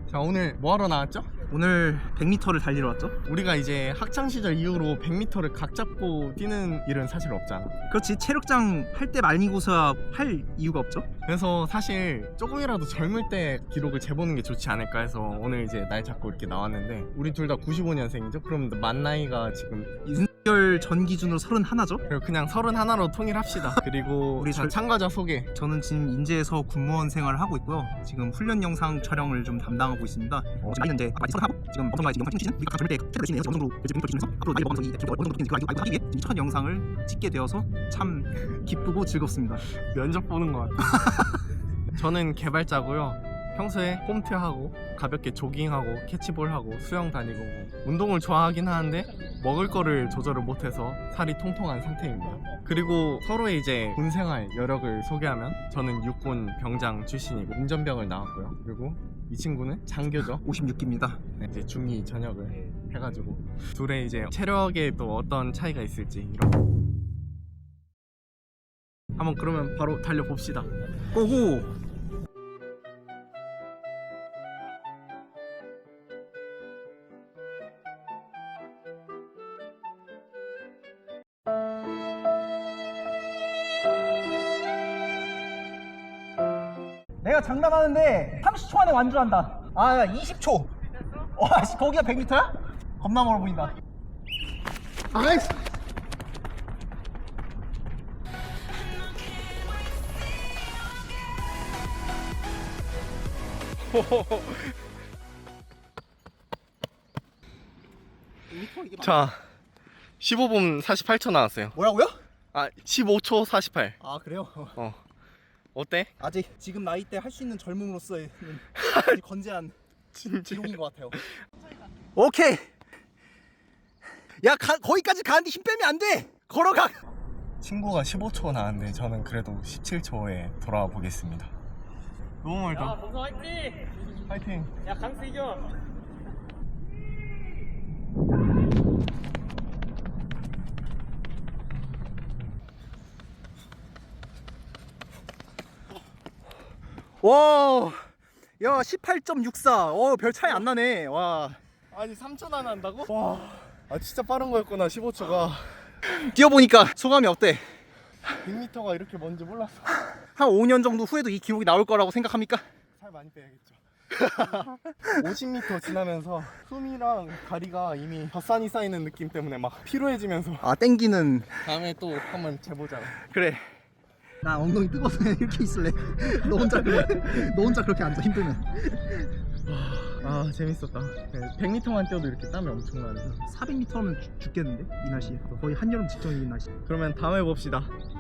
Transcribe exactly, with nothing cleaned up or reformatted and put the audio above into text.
자, 오늘 뭐 하러 나왔죠? 오늘 백 미터를 달리러 왔죠? 우리가 이제 학창시절 이후로 백 미터를 각 잡고 뛰는 일은 사실 없잖아. 그렇지, 체력장 할 때 말미고사 할 이유가 없죠? 그래서 사실 조금이라도 젊을 때 기록을 재보는 게 좋지 않을까 해서 오늘 이제 날 잡고 이렇게 나왔는데, 우리 둘 다 구십오 년생이죠? 그럼 만 나이가 지금 윤석열 전 기준으로 서른하나죠? 그리고 그냥 서른하나로 통일합시다. 그리고 우리 자, 절- 참가자 소개. 저는 지금 인제에서 군무원 생활을 하고 있고요. 지금 훈련 영상 촬영을 좀 담당하고 있습니다. 어, 지금 나이는 이제 아까 서른하고 지금 방송가에 지금 영상 찍는 시즌, 우리가 젊을 때 체력 열심히 해서 어느 정도 이제 백 미터 뛰면서 앞으로 나이 먹으면서 이 기록을 어느 정도 뛰는지 알고 알고 하기 위해 지금 첫 영상을 찍게 되어서 참 기쁘고 즐겁습니다. 면접 보는 것 같아. 저는 개발자고요. 평소에 홈트하고 가볍게 조깅하고 캐치볼하고 수영 다니고 뭐 운동을 좋아하긴 하는데 먹을 거를 조절을 못해서 살이 통통한 상태입니다. 그리고 서로의 이제 군생활 여력을 소개하면, 저는 육군 병장 출신이고 운전병을 나왔고요. 그리고 이 친구는 장교죠. 오십육 기입니다. 네, 이제 중이 전역을 해가지고 둘의 이제 체력에 또 어떤 차이가 있을지 이런. 한번 그러면 바로 달려봅시다. 고고! 내가 장담하는데 삼십 초 안에 완주한다. 아, 이십 초. 와, 씨, 거기가 백 미터야? 겁나 멀어 보인다. 아이씨. 자, 십오 분 사십팔 초 나왔어요. 뭐라고요? 아, 십오 초 사십팔. 아, 그래요? 어. 어때? 아직 지금 나이 때 할 수 있는 젊음으로서의 아직 건재한 진짜. 기록인 것 같아요. 오케이. 야, 가, 거기까지 가는데 힘 빼면 안 돼. 걸어가. 친구가 십오 초 나왔는데 저는 그래도 십칠 초에 돌아와 보겠습니다. 너무 멀다. 야, 범성 화이팅! 파이팅. 야, 강수 이겨! 와, 야, 십팔 점 육사. 어, 별 차이 안 나네. 와. 아니 삼 초나 난다고? 와. 아 진짜 빠른 거였구나. 십오 초가. 뛰어보니까 소감이 어때? 백 미터가 이렇게 먼지 몰랐어. 한 오 년 정도 후에도 이 기록이 나올 거라고 생각합니까? 살 많이 빼야겠죠. 오십 미터 지나면서 숨이랑 다리가 이미 젖산이 쌓이는 느낌 때문에 막 피로해지면서 아, 땡기는. 다음에 또 한번 재보자. 그래. 나 엉덩이 뜨거워서 이렇게 있을래. 너 혼자 그래. 너 혼자 그렇게 앉아, 힘들면. 아 재밌었다. 백 미터만 뛰어도 이렇게 땀이 엄청 나네. 사백 미터면 죽겠는데? 이 날씨에. 거의 한여름 직전인 날씨. 그러면 다음에 봅시다.